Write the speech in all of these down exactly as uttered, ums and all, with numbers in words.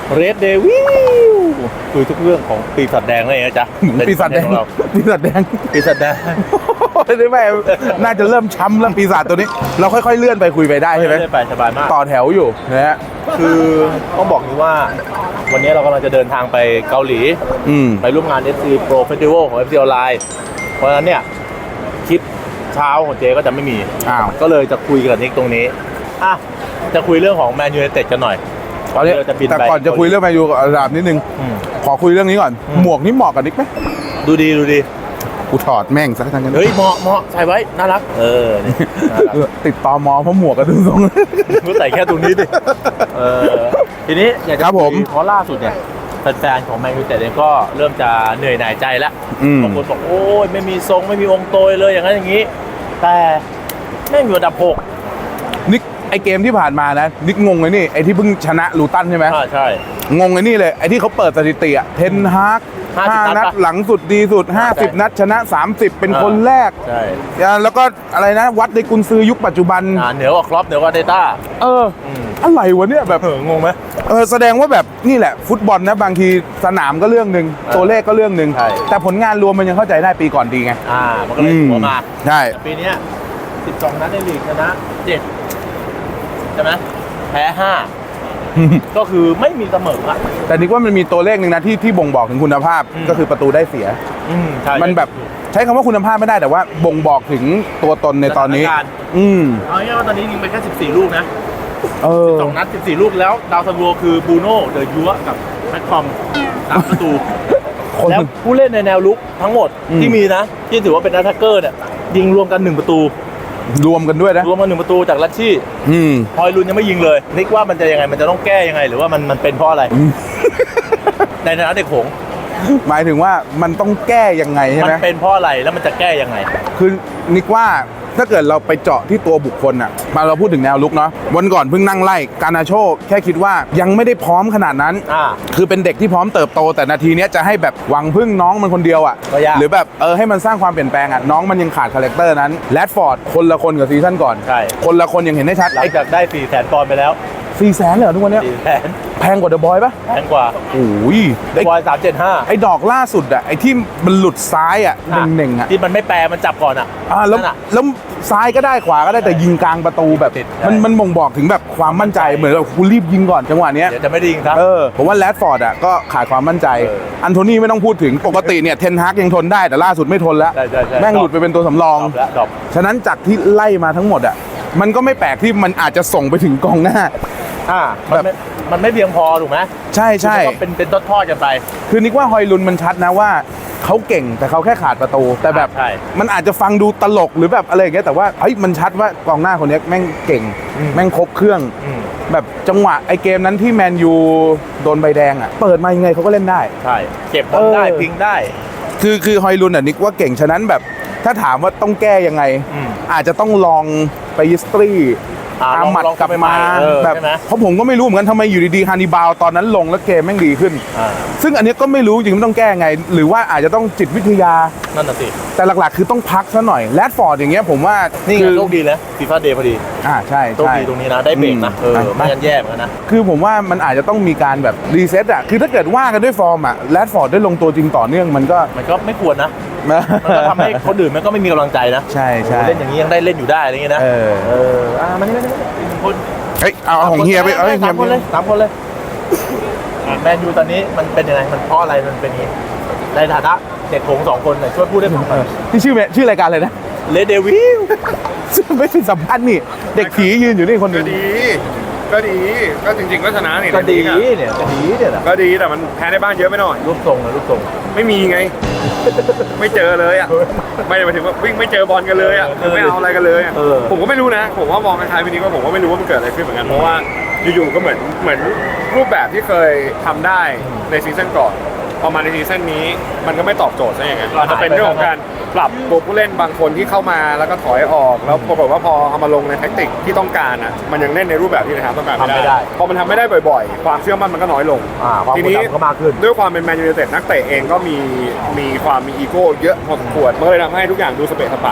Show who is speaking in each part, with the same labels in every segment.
Speaker 1: เรดเดวิลคุยทุกเรื่องของปีศาจแดงเลยนะจ๊ะ
Speaker 2: ปีศาจแดงปีศาจแดง
Speaker 1: ปีศาจแดง
Speaker 2: ได้ไหมน่าจะเริ่มช้ำแล้วปีศาจตัวนี้ เราค่อยๆเลื่อนไปคุยไปได้ใช่ไหม
Speaker 1: เลื่อนไปสบายมาก
Speaker 2: ต่อแถวอยู่นะฮะ
Speaker 1: คือต้องบอกนี้ว่าวันนี้เรากำลังจะเดินทางไปเกาหลี
Speaker 2: อืม
Speaker 1: ไปร่วมงาน เอฟ ซี Pro Festival ของ เอฟ ซี Online เพราะฉะนั้นเนี่ยคลิปเช้าของเจก็จะไม่มี
Speaker 2: อ้าว
Speaker 1: ก็เลยจะคุยกับนิกตรงนี้อ่ะจะคุยเรื่องของแมนยูไนเต็ดกันหน่อย
Speaker 2: ตอนนี้
Speaker 1: เราจะบินไป
Speaker 2: แต่ก่อนจะคุยเรื่องแมนยูกับอาราบนิดนึง
Speaker 1: อืม
Speaker 2: ขอคุยเรื่องนี้ก่อน
Speaker 1: อืม
Speaker 2: หมวกนี่เหมาะกับนิกไหม
Speaker 1: ดูดีดูดี
Speaker 2: กูถอดแม่งสักทั้งนั้น
Speaker 1: เฮ้ยเหมาะเหมาะใส่ไว้น่ารักเออนี่น่ารัก
Speaker 2: เออติดตอมอเพราะหมวกกันดูทรง
Speaker 1: ก็ใส่แค่ตรงนี้ดิเออทีนี้อยากจะ
Speaker 2: ครับผม
Speaker 1: คุยเพราะล่าสุดเนี่ยแฟนๆของแมนยูไนเต็ดเองก็เริ่มจะเหนื่อยหน่ายใจแล้ว
Speaker 2: อืม
Speaker 1: บางคนบอกโอ้ยไม่มีทรงไม่มีองค์โตยเลยอย่างนั้นอย่างนี้ แต่แม่งอยู่อันดับหก
Speaker 2: นิกไอเกมที่ผ่านมานะนิกงงเลยนี่ไอที่เพิ่งชนะลูตันใช่ไหม
Speaker 1: อ่าใช่
Speaker 2: งงไอ้นี่เลยไอ้ที่เขาเปิดสถิติอะเทนฮาก
Speaker 1: ห้าสิบ
Speaker 2: ห้า
Speaker 1: นั
Speaker 2: นั
Speaker 1: ด
Speaker 2: ด
Speaker 1: ปะ
Speaker 2: หลังสุดดีสุด
Speaker 1: ใช่
Speaker 2: ห้าสิบ นัดชนะ สามสิบ เป็นคนแรก
Speaker 1: ใช่
Speaker 2: แล้วก็อะไรนะ วัดในกุนซือยุคปัจจุบัน
Speaker 1: อ่าเหนือกว่าครอปเหนือกว่าเดต้า
Speaker 2: เออ
Speaker 1: อืม
Speaker 2: อะไรวะเนี่ยแบบ
Speaker 1: เอองงไหม
Speaker 2: เออแสดงว่าแบบนี่แหละ ฟุตบอลนะบางทีสนามก็เรื่องหนึ่ง
Speaker 1: ออ
Speaker 2: ตัวเลขก็เรื่องหนึ่ง
Speaker 1: ใช่
Speaker 2: แต่ผลงานรวมมันยังเข้าใจได้ปีก่อนดีไง
Speaker 1: อ่ามันก็เลย
Speaker 2: อืม
Speaker 1: หัวมา
Speaker 2: ใช่
Speaker 1: แต่ปีเนี้ยสิบสองนัดในลีกชนะเจ็ดใช่ไหมแพ้ห้าก็คือไม่มีเสมออ่ะ
Speaker 2: แต่นิกว่ามันมีตัวเลขหนึ่งนะที่ที่บ่งบอกถึงคุณภาพ
Speaker 1: อืม
Speaker 2: ก็คือประตูได้เสีย
Speaker 1: อืมใช่
Speaker 2: มันแบบใช้คำว่าคุณภาพไม่ได้แต่ว่าบ่งบอกถึงตัวตนในตอนนี้
Speaker 1: สถานการณ์
Speaker 2: อืม
Speaker 1: เอาง่ายๆว่าตอนนี้ยิงไปแค่สิบสี่ลูกนะ
Speaker 2: เออ
Speaker 1: สองนัดสิบสี่ลูกแล้วดาวซันโวคือบูโน่เดอะยัวกับแม็กคอมสามประตู
Speaker 2: คน
Speaker 1: แล้วผู้เล่นในแนวลุกทั้งหมด
Speaker 2: อืม
Speaker 1: ที่มีนะ ที่ถือว่าเป็นแอตแทกเกอร์เนี่ยยิงรวมกันหนึ่งประตู
Speaker 2: รวมกันด้วยนะ
Speaker 1: รวมกันหนึ่งประตูจากลัชชี่
Speaker 2: อืม
Speaker 1: ฮอยลุนยังไม่ยิงเลยนิกว่ามันจะยังไงมันจะต้องแก้ยังไง หรือว่ามันมันเป็นเพราะอะไร ในฐานะเด็กหงส์
Speaker 2: หมายถึงว่ามันต้องแก้ยังไงใช่
Speaker 1: มั
Speaker 2: ไหม
Speaker 1: เป็นเพราะอะไรแล้วมันจะแก้ยังไง
Speaker 2: คือนิกว่าถ้าเกิดเราไปเจาะที่ตัวบุคคลอ่ะมาเราพูดถึงแนวลุกเนาะวันก่อนเพิ่งนั่งไล่การนาโชแค่คิดว่ายังไม่ได้พร้อมขนาดนั้น
Speaker 1: อ่า
Speaker 2: คือเป็นเด็กที่พร้อมเติบโตแต่นาทีเนี้ยจะให้แบบหวังพึ่งน้องมันคนเดียวอ่ะ
Speaker 1: ก็ยาก
Speaker 2: หรือแบบเออให้มันสร้างความเปลี่ยนแปลงอ่ะน้องมันยังขาดคาแรคเตอร์นั้นแรดฟอร์ดคนละคนกับซีซั่นก่อน
Speaker 1: ใช่
Speaker 2: คนละคนยังเห็นได้ชัด
Speaker 1: หลัง
Speaker 2: ไอ้
Speaker 1: จากได้สี่แสนปอนด์ไปแล้ว
Speaker 2: สี่แสนเลยเหรอทุกวันเนี้ย
Speaker 1: สี่แสน
Speaker 2: แพงกว่าเดอะบอยปะ
Speaker 1: แพงกว่า
Speaker 2: โอ้ยไอ้
Speaker 1: บอยสามเจ็ดห้า
Speaker 2: ไอ้ดอกล่าสุดอ่ะไอ้ที่มันหลุดซ้ายอ่ะเน่งๆอ่ะ
Speaker 1: ที่มันไม่แปรมันจับก่อนอ่ะ
Speaker 2: อ่าแล้ว
Speaker 1: นั่นน่ะ
Speaker 2: แล้วซ้ายก็ได้ขวาก็ได้แต่ยิงกลางประตูแบบ
Speaker 1: ติด
Speaker 2: มัน
Speaker 1: ใช่
Speaker 2: มันบ่งบอกถึงแบบความมั่นใจเหมือนแบบกูรีบยิงก่อนจังหวะเนี้ย
Speaker 1: เดี๋ยวจะไม่ได้ยิงครับ
Speaker 2: เออผมว่าแรดฟอร์ดอ่ะก็ขาดความมั่นใจ
Speaker 1: เออ
Speaker 2: อันโทนี่ไม่ต้องพูดถึงปกติเนี่ยเทนฮากยังทนได้แต่ล่าสุดไม่ทนแล้ว
Speaker 1: ใช่ใช่ใช่
Speaker 2: แม่งหลุดไปเป็นตัวสำรอง
Speaker 1: ดรอปแล้วดรอป
Speaker 2: ฉะนั้นจากที่ไล่มาทั้งหมดอ่ะมันก็ไม่แปลกที่มันอาจจะส่งไปถึงกองหน้า
Speaker 1: อ่ามันไม่มันไม่เพียงพอถูกไหม
Speaker 2: ใช่ใช่
Speaker 1: คือมันก็เป็นเป็นทอดๆกันไป
Speaker 2: คือนิกว่าฮอยลุนมันชัดนะว่าเขาเก่งแต่เขาแค่ขาดประตู แต่แบบ
Speaker 1: ใช่
Speaker 2: มันอาจจะฟังดูตลกหรือแบบอะไรอย่างเงี้ยแต่ว่าเฮ้ยมันชัดว่ากองหน้าคนเนี้ยแม่งเก่ง
Speaker 1: อืม
Speaker 2: แม่งครบเครื่อง
Speaker 1: อืม
Speaker 2: แบบจังหวะไอเกมนั้นที่แมนยูโดนใบแดงอ่ะเปิดมายังไงเขาก็เล่นได้
Speaker 1: ใช่เก็บบอลได้
Speaker 2: เออ
Speaker 1: พิงได้
Speaker 2: คือคือฮอยลุนอ่ะนิกว่าเก่งฉะนั้นแบบถ้าถามว่าต้องแก้ยังไง
Speaker 1: อืม
Speaker 2: อาจจะต้องลองไปยิสตรี
Speaker 1: อ่า
Speaker 2: อา
Speaker 1: ลอง
Speaker 2: มัด
Speaker 1: ลอง
Speaker 2: กลับ
Speaker 1: ไปให
Speaker 2: มา
Speaker 1: เออ
Speaker 2: แบบ
Speaker 1: ใช่ไหม
Speaker 2: เพราะผมก็ไม่รู้เหมือนกันทำไมอยู่ดีๆฮานิบาลตอนนั้นลงแล้วเกมแม่งดีขึ้น
Speaker 1: อ่า
Speaker 2: ซึ่งอันเนี้ยก็ไม่รู้จริงๆมันต้องแก้ไง หรือว่าอาจจะต้องจิตวิทยา
Speaker 1: นั่นน่ะสิ
Speaker 2: แต่หลักๆ คือต้องพักซะหน่อยแรดฟอร์ดอย่างเงี้ยผมว่า
Speaker 1: นี่
Speaker 2: นี่
Speaker 1: ไงโชคดีนะฟีฟ่าเดย์พอดี
Speaker 2: อ่าใช่
Speaker 1: โชค
Speaker 2: ใช่
Speaker 1: ดีตรงนี้นะได้เบรกนะเออ
Speaker 2: อืม
Speaker 1: ไม่งั้นแย่เหมือนกันนะ
Speaker 2: คือผมว่ามันอาจจะต้องมีการแบบรีเซ็ตอ่ะคือถ้าเกิดว่ากันด้วยฟอร์มอ่ะแรดฟอร์ดได้ลงตัวจริงต่อเนื่องมันก็
Speaker 1: มันก็ไม่ควรนะมันก็ทำให้คนอื่นมันก็ไม่มีกำลังใจนะ
Speaker 2: ใช่ใช่
Speaker 1: โอ้โหเล่นอย่างนี้ยังได้เล่นอยู่ได้อะไรอย่างงี้นะ
Speaker 2: เออ
Speaker 1: เอออ่ามันนี่ไม่ได้คน
Speaker 2: เฮ้ยเอาเอาของเฮียไปเอาให้เฮี
Speaker 1: สาย มคนเลยสามคนเลยอ่ะแมนยูตอนนี้มันเป็นยังไงมันเพราะอะไรมันเป็นอย่างนี้ในฐานะเด็กโขงสองคนหน่อยช่วยพูดได้ผมห
Speaker 2: เอ
Speaker 1: น่อ
Speaker 2: อย ที่ชื่อเมชื่อรายการเลยนะ
Speaker 1: เลเดวิล
Speaker 2: ไม่ใช่สัมภาษณ์นี่เด็กผียืนอยู่นี่คนหนึ
Speaker 3: ก็
Speaker 2: ง
Speaker 3: ดี ก็ดี ก็จริงๆก็ชนะนี่
Speaker 1: ก็ดี
Speaker 3: ในลีกอะ
Speaker 1: เนี่ยก็ดีเนี่ยนะ
Speaker 3: ก็ดีแต่มันแพ้ในบ้านเยอะไปหน่อย
Speaker 1: รูปทรงนะรูปทรง
Speaker 3: ไม่มีไง ไม่เจอเลยอ่ะ ไม่ได้หมายถึงว่าวิ่งไม่เจอบอลกันเลยอ่ะ
Speaker 1: เออ
Speaker 3: ไม่เอาอะไรกันเลยอ่ะ
Speaker 1: เออ
Speaker 3: ผมก็ไม่รู้นะ ผมว่ามองคล้ายๆพี่นี้ว่าผมก็ไม่รู้ว่ามันเกิดอะไรขึ้นเหมือนกัน เพราะว่าอยู่ๆก็เหมือนเหมือนรูปแบบที่เคยทำได้ในซีซั่นก่อนพอมาในซีซั่นนี้มันก็ไม่ตอบโจทย์ซะอย่างนั้นอาจจะเป็นเรื่องของการปรับตัวผู้เล่นบางคนที่เข้ามาแล้วก็ถอยออกแล้วปรากฏว่าพอเอามาลงในแทคติกที่ต้องการอ่ะมันยังเล่นในรูปแบบที่นะครับต้องการ
Speaker 1: ทำไม่
Speaker 3: ไม่
Speaker 1: ได้
Speaker 3: ได้พอมันทำไม่ได้บ่อยๆ ความเชื่อมั่นมันก็น้อยลง
Speaker 1: อ่าความ
Speaker 3: ที
Speaker 1: กด
Speaker 3: นี้
Speaker 1: ดันก็มากขึ้น
Speaker 3: ด้วยความเป็นแมนยูไนเต็ดนักเตะเองก็มีมีความมีอีโก้เยอะพอสมควรมันก็เลยทำให้ทุกอย่างดูสเปะสปะ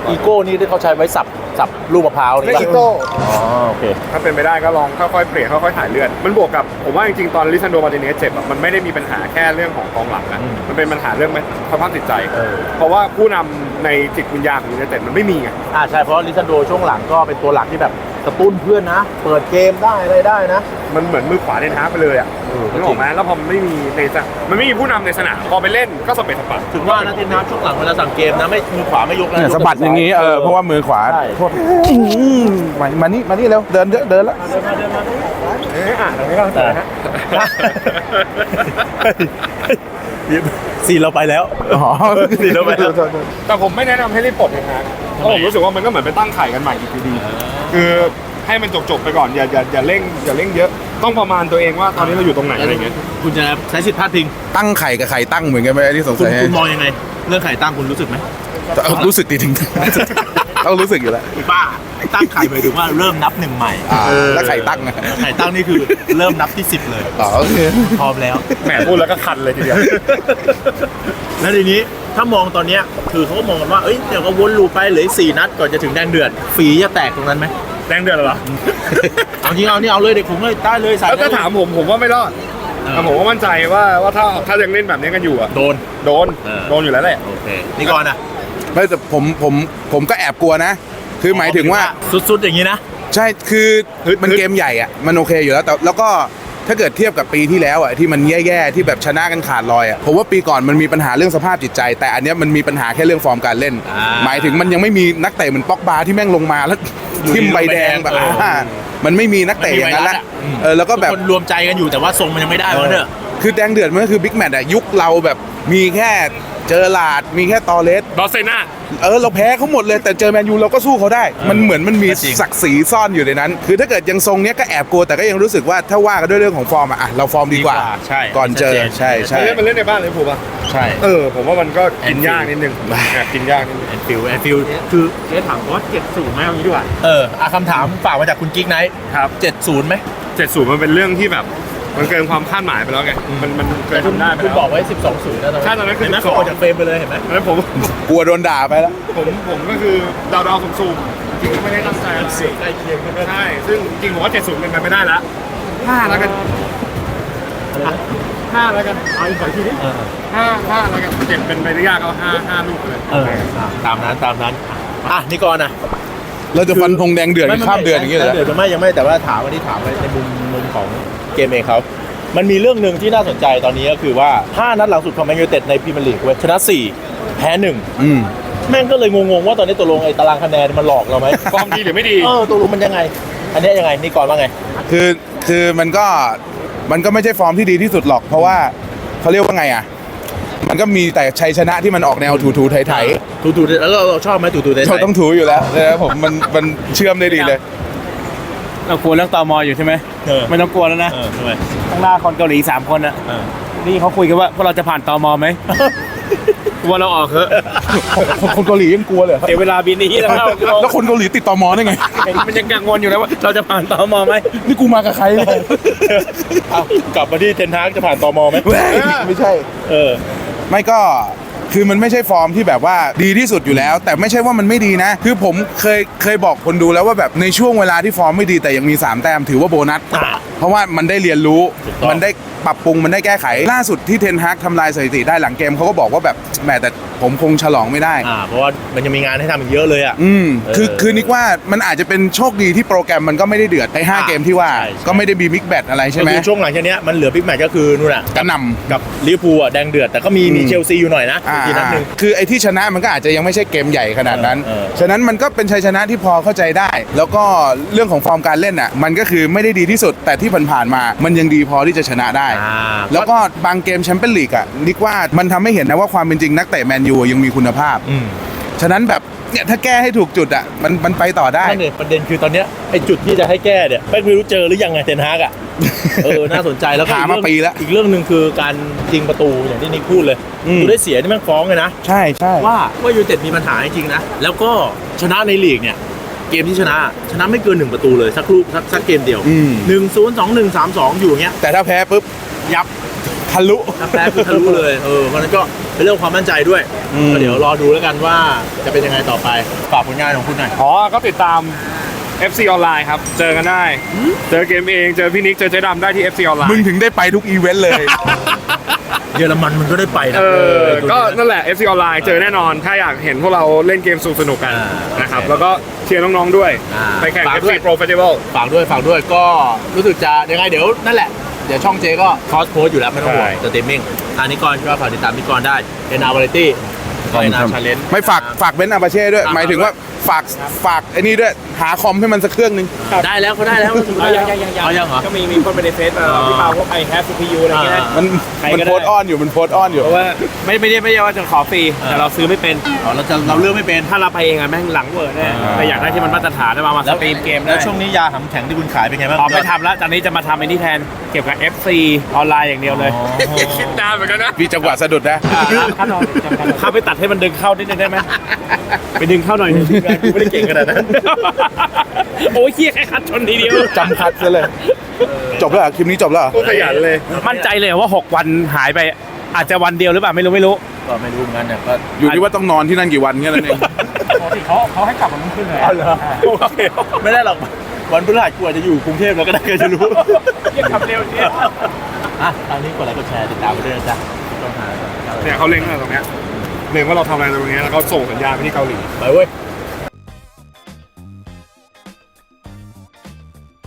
Speaker 1: อีโก้นี่ที่เขาใช้ไว้สับสับลูกมะพร้าวนี่
Speaker 3: ไม่
Speaker 1: ปะ
Speaker 3: อีโก้
Speaker 1: อ๋อโอเค
Speaker 3: ถ้าเป็นไปได้ก็ลองค่อยๆเปลี่ยนค่อยๆถ่ายเลือดมันบวกกับผมว่าจริงๆตอนลิซันโดมาร์ติเนสเจ็บอะมันไม่ได้มีปัญหาแค่เรื่องของกองหลังนะ
Speaker 1: อืม
Speaker 3: มันเป็นปัญหาเรื่องสภาพจิตใจ
Speaker 1: เออ
Speaker 3: เพราะว่าผู้นำในจิตวิญญาณของยูไนเต็ดมันไม่มีไง
Speaker 1: อ่าใช่เพราะลิซันโดช่วงหลังก็เป็นตัวหลักที่แบบกระตุ้นเพื่อนนะ เปิดเกมได้อะไรได้นะ
Speaker 3: มันเหมือนมือขวาเดนฮาร์กไปเลยอ่ะ
Speaker 1: เออก็จริง
Speaker 3: นึกออกไหมแล้วพอมันไม่มีในสนามมันไม่มีผู้นำในสนามพอไปเล่นก็สเปซสปะ
Speaker 1: ถึงว่านะเทนฮากช่วงหลังเวลาสั่งเกมนะไม่มือขวาไม่ยกนะ
Speaker 2: เนี่ย
Speaker 1: ยก
Speaker 2: สะบัดอย่างนี้เออเพราะว่ามือขวา
Speaker 1: ใช่
Speaker 2: โทษอื้อหือมามานี่มานี่เร็วเดินเยอะเดินแล้ว
Speaker 1: เดินมาเดินมา
Speaker 3: เอ๊ะอ่านตรงนี้ก็ได้ฮะ
Speaker 1: สี่เราไปแล้ว
Speaker 2: อ๋อ
Speaker 1: สีแล้วไปแล้ว
Speaker 3: แต่ผมไม่แนะนำให้รีบปลดเลยนะเพราะผมรู้สึกว่ามันก็เหมือนไปตั้งไข่กันใหม่อีกทีดีคือให้มันจบๆไปก่อนอย่าอย่าอย่าเร่งอย่าเร่งเยอะต้องประมาณตัวเองว่าตอนนี้เราอยู่ตรงไหนอะไรเงี้ย
Speaker 1: คุณจะใช้สิทธิ์พลาดพิง
Speaker 2: ตั้งไข่กับไข่ตั้งเหมือนกันไหมที่สง
Speaker 1: คุณ
Speaker 2: สัย
Speaker 1: คุณมองยังไง เรื่องไข่ตั้งคุณรู้สึกไหม
Speaker 2: รู้สึกดีถึงต้องรู้สึกอยู่แล้ว
Speaker 1: ป้าตั้งไข่หมายถึงว่าเริ่มนับหนึ่งใหม่
Speaker 2: อ่า
Speaker 1: เออ
Speaker 2: แล้วไข่ตั้งอะ
Speaker 1: ไข่ตั้งนี่คือเริ่มนับที่สิบเลย
Speaker 2: อ๋อโอเค
Speaker 1: พร้อมแล้ว
Speaker 3: แหมพูดแล้วก็คันเลยทีเดียว
Speaker 1: แล้วทีนี้ถ้ามองตอนเนี้ยคือเขาก็มองกันว่าเอ้ยเดี๋ยวก็วนลูปไปเหลืออีกสี่นัดก่อนจะถึงแดงเดือดฝีจะแตกตรงนั้นไหม
Speaker 3: แดงเดือดเหรอ
Speaker 1: เอาจริงเอานี่เอาเลยเด็กผมเลยได้เลยสาย
Speaker 3: แล้วถ้าถามผมผมว่าไม่รอด
Speaker 1: เออ
Speaker 3: แต่ผมก็มั่นใจว่าว่าถ้าถ้ายังเล่นแบบนี้กันอยู่อะ
Speaker 1: โดน
Speaker 3: โดน
Speaker 1: เออ
Speaker 3: โดนอยู่แล้วแหละ
Speaker 1: โอเคนี่ก่อนนะ
Speaker 2: ไม่แต่ผมผมผมก็แอบกลัวนะ คือหมายถึงว่า
Speaker 1: สุดๆอย่างนี้นะ
Speaker 2: ใช่คือมันเกมใหญ่อะมันโอเคอยู่แล้วแต่แล้วก็ถ้าเกิดเทียบกับปีที่แล้วอะที่มันแย่ๆที่แบบชนะกันขาดลอยอะผมว่าปีก่อนมันมีปัญหาเรื่องสภาพจิตใจ แต่อันเนี้ยมันมีปัญหาแค่เรื่องฟอร์มการเล่น
Speaker 1: อ่า
Speaker 2: หมายถึงมันยังไม่มีนักเตะเหมือนป็อกบาที่แม่งลงมาแล้ว
Speaker 1: อยู่ดี
Speaker 2: ทิมใบแดงแบบ
Speaker 1: เอออ่
Speaker 2: อ่ามันไม่มีนักเตะอย่างนั้นละ
Speaker 1: อืม
Speaker 2: เออแล้วก็แบบ
Speaker 1: ทุคนรวมใจกันอยู่แต่ว่าทรงมันยังไม่ได้วะเนอะ
Speaker 2: คือแดงเดือดมันก็คือบิ๊กแมตช์อะยุคเราแบบมีแค่เจอหลาดมีแค่ตอเลส
Speaker 3: บอสเซน่า
Speaker 2: เออเราแพ้เขาหมดเลยแต่เจอแมนยูเราก็สู้เขาได้ มันเหมือนมันมี
Speaker 1: ก็จริง
Speaker 2: ศักดิ์ศรีซ่อนอยู่ในนั้น คือถ้าเกิดยังทรงเนี้ยก็แอบกลัวแต่ก็ยังรู้สึสึกว่าถ้าว่ากันด้วยเรื่องของฟอร์มอะอ่ะเราฟอร์มดีกว่า
Speaker 1: ใช่
Speaker 2: ก่อนเจอ
Speaker 1: ชัดเจน
Speaker 2: ใช่ใช่
Speaker 3: เล่นมันเล่นในบ้านเลยผูกป่ะ
Speaker 1: ใช่
Speaker 3: เออผมว่ามันก็กินยากนิดนึงแอบกินยากนิดนึง
Speaker 1: แอนฟิลแอนฟิลคือ
Speaker 3: เจ๊ถามว่าเจ็ดศูนย์ไหมเอางี้ดีกว่า
Speaker 1: เอออ่ะคำถามฝากมาจากคุณกิ๊กไนท์
Speaker 3: ครับ
Speaker 1: เจ็ดศูนย์ไหม
Speaker 3: เจ็ดศูนย์มันเป็นเรื่องที่แบบมันเกินความคาดหมายไปแล้วไงมันมันเกินทำได้ไป
Speaker 1: คุณ
Speaker 3: แล้ว
Speaker 1: บอกไว้สิบสองศูนย์นะตอน
Speaker 3: ใช่ตอนนั้นคือ
Speaker 1: เห็นไหม
Speaker 3: สิบสอง
Speaker 1: เขาออกจากเฟรมไปเลยเห็นไหม
Speaker 3: แล้วผม
Speaker 2: กลัวโดนด่าไปแล้ว
Speaker 3: ผมผมก็คือดาวดาวๆสุ่มๆจริงๆก็ไม่ได้ตั้งใจอะไร
Speaker 1: ใกล้เคียงกันด้วย
Speaker 3: ใช่ซึ่งจริงผมว่าเจ็ดศูนย์เป็นไปไม่ได้ละห้าแล้วกันห้าแล้วกันเอาอีกสองทีนี้
Speaker 1: เออ
Speaker 3: ห้าห้าแล้วกันเจ็ดเป็นไปได้ยากเอาห้าห้าลูกเลย
Speaker 1: เอออ่ะตามนั้นตามนั้นอ่ะนี่ก่อนนะ
Speaker 2: เราจะฟันธงแดงเดือดกันข้ามเดือนอย่างเงี้ยเหรอ
Speaker 1: เดือดไม่ยังไม่แต่ว่าถามวันนี้ถามในมุมมุมของเกมเองเขามันมีเรื่องหนึ่งที่น่าสนใจตอนนี้ก็คือว่าห้านัดหลังสุดของแมนยูไนเต็ดในพรีเมียร์ลีกเว้ยชนะสี่แพ้หนึ่ง
Speaker 2: อืม
Speaker 1: แม่งก็เลยงงๆว่าตอนนี้ตกลงไอ้ตารางคะแนนมันหลอกเราไหม
Speaker 3: ฟอร์มดีหรือไม่ดี
Speaker 1: เออตกลงมันยังไง อันเนี้ยยังไงนี่ก่อนว่าไง
Speaker 2: คือคือมันก็มันก็ไม่ใช่ฟอร์มที่ดีที่สุดหรอก เพราะว่าเขาเรียกว่าไงอ่ะ มันก็มีแต่ชัยชนะที่มันออกแนวถูๆไถ
Speaker 1: ถูถูๆแล้วเราเราชอบไหมถูถูๆไท
Speaker 2: ๆ
Speaker 1: ย
Speaker 2: เราต้องถูอยู่แล้วนะครับผมมันมันเชื่อมได้ดีเลย
Speaker 4: เรากลัวเรื่องตมอยู่ใช่ไหม
Speaker 1: เออ
Speaker 4: ไม่ต้องกลัวแล้วนะ
Speaker 1: เออทำไม
Speaker 4: ข้างหน้าคนเกาหลีสามคนอะ
Speaker 1: เออ
Speaker 4: นี่เขาคุยกันว่าพวกเราจะผ่านตมไหม กลัวเราออกเถอะ
Speaker 2: คนคนเกาหลียังกลัวเลยเหรอ
Speaker 4: เดี๋ยวเวลาบินนี้แล้วเรา
Speaker 2: แล้วคนเกาหลีติดต่อมอได้ไง
Speaker 4: มันยังกังวลอยู่นะว่าเราจะผ่านตมไหม
Speaker 2: นี่กูมากับใครเนี่ย
Speaker 1: เอากลับมาที่เทนฮากจะผ่านตมไหม
Speaker 2: เว้ยไม่ใช่
Speaker 1: เออ
Speaker 2: ไม่ก็คือมันไม่ใช่ฟอร์มที่แบบว่าดีที่สุดอยู่แล้ว แต่ไม่ใช่ว่ามันไม่ดีนะ คือผมเคยเคยบอกคนดูแล้วว่าแบบในช่วงเวลาที่ฟอร์มไม่ดีแต่ยังมีสามแต้มถือว่าโบนัส
Speaker 1: อ่า
Speaker 2: เพราะว่ามันได้เรียนรู้
Speaker 1: ถูกต้อง
Speaker 2: มันได้ปรับปรุงมันได้แก้ไข ล่าสุดที่เทนฮากทำลายสถิติได้หลังเกมเขาก็บอกว่าแบบแหมแต่ผมคงฉลองไม่ได้
Speaker 1: อ่าเพราะว่ามันยังมีงานให้ทำอีกเยอะเลยอ่ะ
Speaker 2: อืมคือ
Speaker 1: เออ
Speaker 2: คือนิกว่ามันอาจจะเป็นโชคดีที่โปรแกรมมันก็ไม่ได้เดือดในห้า
Speaker 1: อ่า
Speaker 2: เกมที่ว่า
Speaker 1: ใช่ใช่
Speaker 2: ก็ไม่ได้มีมิกแบทอะไรใช่ไหม
Speaker 1: ก็คือช่วงหลังจากเนี้ยมันเหลือบิ๊กแมตช์ก็คือนู่นอ่ะ
Speaker 2: กระหนำ
Speaker 1: กับลิเวอร์พูลอ่ะแดงเดือดแต่ก็มีมี
Speaker 2: อืม
Speaker 1: เชลซีอยู่หน่อยนะ
Speaker 2: อ่า
Speaker 1: อีกนัดหนึ่ง
Speaker 2: คือไอ้ที่ชนะมันก็อาจจะยังไม่ใช่เกมใหญ่ขนาดนั้น
Speaker 1: เออเออ
Speaker 2: ฉะนั้นมันก็เป็นชัยชนะที่พอเข้าใจได้ แล้วก็เรื่องของฟอร์มการเล่นอ่ะมันก็คือไม่ได้ดีที่สุด แต่ที่ผ่านๆมา มันยังดีพอที่จะชนะได้
Speaker 1: อ่า
Speaker 2: แล้วก็บางเกมแชมเปี้ยนลีกอ่ะนิกว่ามันทำให้เห็นนะว่าความเป็นจริงนักเตะแมนยูยังมีคุณภาพ
Speaker 1: อืม
Speaker 2: ฉะนั้นแบบเนี่ยถ้าแก้ให้ถูกจุดอ่ะมันมันไปต่อได้
Speaker 1: นั่นเองประเด็นคือตอนเนี้ยไอ้จุดที่จะให้แก้เนี่ยไม่รู้เจอหรือยังไงเทนฮากอ่ะ เออน่าสนใจแล้วก็
Speaker 2: หา
Speaker 1: อีก
Speaker 2: มา
Speaker 1: เรื่อง
Speaker 2: ปีแล้ว
Speaker 1: อีกเรื่องหนึ่งคือการยิงประตูอย่างที่นิกพูดเลย
Speaker 2: อืม
Speaker 1: ดูได้เสียนี่แม่งฟ้องเลยนะ
Speaker 2: ใช่ใช่
Speaker 1: ว่าว่ายูไนเต็ดมีปัญหาจริงๆนะ แล้วก็ชนะในลีกเนี่ยเกมที่ชนะชนะไม่เกินหนึ่งประตูเลยสักลูกสักสักเกมเดียว
Speaker 2: อืม
Speaker 1: หนึ่งศูนย์สองหนึ่งสามสองอยู่อย่างเงี้ย
Speaker 2: แต่ถ้าแพ้ปุ๊บ
Speaker 1: ยับ
Speaker 2: ทะลุ
Speaker 1: ถ้าแพ้คือทะลุเลยเออเพราะฉะนั้นก็เป็นเรื่องความมั่นใจด้วย
Speaker 2: อืม
Speaker 1: ก็เดี๋ยวรอดูแล้วกันว่าจะเป็นยังไงต่อไปฝากผลงานของคุณหน่อย
Speaker 3: อ๋อ ก็ติดตาม เอฟ ซี ออนไลน์ครับ เจอกันได้ เจอเกมเอง เจอพี่นิก เจอเจ๊ดำได้ที่ เอฟ ซี ออนไลน์
Speaker 2: มึงถึงได้ไปทุกอีเวนต์เลย
Speaker 1: เยอรมันมันก็ได้ไปนะ
Speaker 3: เออ
Speaker 1: ตัว
Speaker 3: ก็
Speaker 1: นี้
Speaker 3: นั่นแหละ เอฟ ซี ออนไลน์ เจอแน่นอน ถ้าอยากเห็นพวกเราเล่นเกมสนุกๆกัน
Speaker 1: อ่า
Speaker 3: นะครับ
Speaker 1: โอเค
Speaker 3: แล้วก็เชียร์น้องๆด้วย
Speaker 1: อ่า
Speaker 3: ไปแข่ง
Speaker 1: ฝาก
Speaker 3: เอฟ
Speaker 1: ด้ว
Speaker 3: ซี
Speaker 1: ย
Speaker 3: Pro Festival
Speaker 1: ฝากด้วยฝากด้วยก็รู้สึกจะยังไงเดี๋ยวนั่นแหละ เดี๋ยวช่องเจก็คอสโพสอยู่แล้วไม่ต้องห่วง
Speaker 3: ใช่
Speaker 1: สตรีมมิ่งอันนี้ก่อนก็ฝากติดตามพี่กรได้เอ็นอาร์วาไรตี้ก็เอ็นอาร์ชาเลนจ์
Speaker 2: ไม่ฝากฝากเบนซ์อาบาเช่ด้วย
Speaker 1: อ่า
Speaker 2: หมายถึงว่าฝากฝากไอ้นี่ด้วย หาคอมให้มันสักเครื่องหนึง
Speaker 1: ได้แล้วเขาได้แล้วเอายังยังยังยังเหรอ
Speaker 4: ก็มีมีคนไปในเฟซมาพี่เปาพวกไอแฮปซีพียูอะไรเงี้ยนะ
Speaker 2: มัน
Speaker 4: ใคร
Speaker 2: มัน
Speaker 4: ก็ได้
Speaker 2: โพสต์อ้อนอยู่มันโพสต์อ้อนอยู่
Speaker 4: เพราะว่าไม่ไม่ได้ไม่ได้ว่าจะขอฟรีแต่เราซื้อไม่เป็น
Speaker 1: อ๋อเราจะเราเลือกไม่เป็น
Speaker 4: ถ้าเราไปเองอะแม่งหลังเวอร์แน่
Speaker 1: อ่า
Speaker 4: แต่อยากได้ที่มันมาตรฐานได้มามาสตรีมเกมได้
Speaker 1: แล้วช่วงนี้ยาหำแข็งที่คุณขายเป็นไงบ้าง
Speaker 4: อ๋อไม่ทำแล้วตอนนี้จะมาทำไอ้นี่แทนเก็บกับ เอฟ ซี ออนไลน์อย่างเดียวเลย
Speaker 3: คิดนานเหมือนกันนะ
Speaker 2: มีจังหวะสะดุดนะ
Speaker 4: เข้าไปตัดให้มันดึงเข้านิดนึงได้ไหมไปดึงเข้าหน่อยนึง
Speaker 1: กูไม่ได้เก่งขนาดนั้น
Speaker 4: โอ้ยเฮียแค่คัดชนทีเดียว
Speaker 2: จำคัดซะเลย จบแล้วเหรอคลิปนี้จบแล้วเหรอ
Speaker 3: โคตรขยันเลย
Speaker 4: มั่นใจเลยว่าหกวันหายไปอาจจะวันเดียวหรือเปล่าไม่รู้ไม่รู้
Speaker 1: ก็ไม่รู้เหมือนกันเนี่ยก็
Speaker 2: อยู่ที่ว่าต้องนอนที่นั่นกี่วันแค่นั้นเอง
Speaker 4: ปกติเขาเขาให้กลับวันรุ่งขึ้นเลย
Speaker 1: อ๋อเหรอโอเคไม่ได้หรอกวันพฤหัสกูอาจจะอยู่กรุงเทพแล้วก็ได้ก็จะรู้
Speaker 4: เฮียกลับเร็วเนี่ย
Speaker 1: อ่ะตอนนี้กดไลค์กดแชร์ติดตามไปด้วยนะจ๊ะต้องหา
Speaker 3: เนี่ยเขาเล็งอะไรตรงเนี้ยเล็งว่าเราทำอะไรตรงเนี้ยแล้วเขาส่งสัญญาณไปที่เกาหลี
Speaker 1: ไปเว้ย
Speaker 3: เ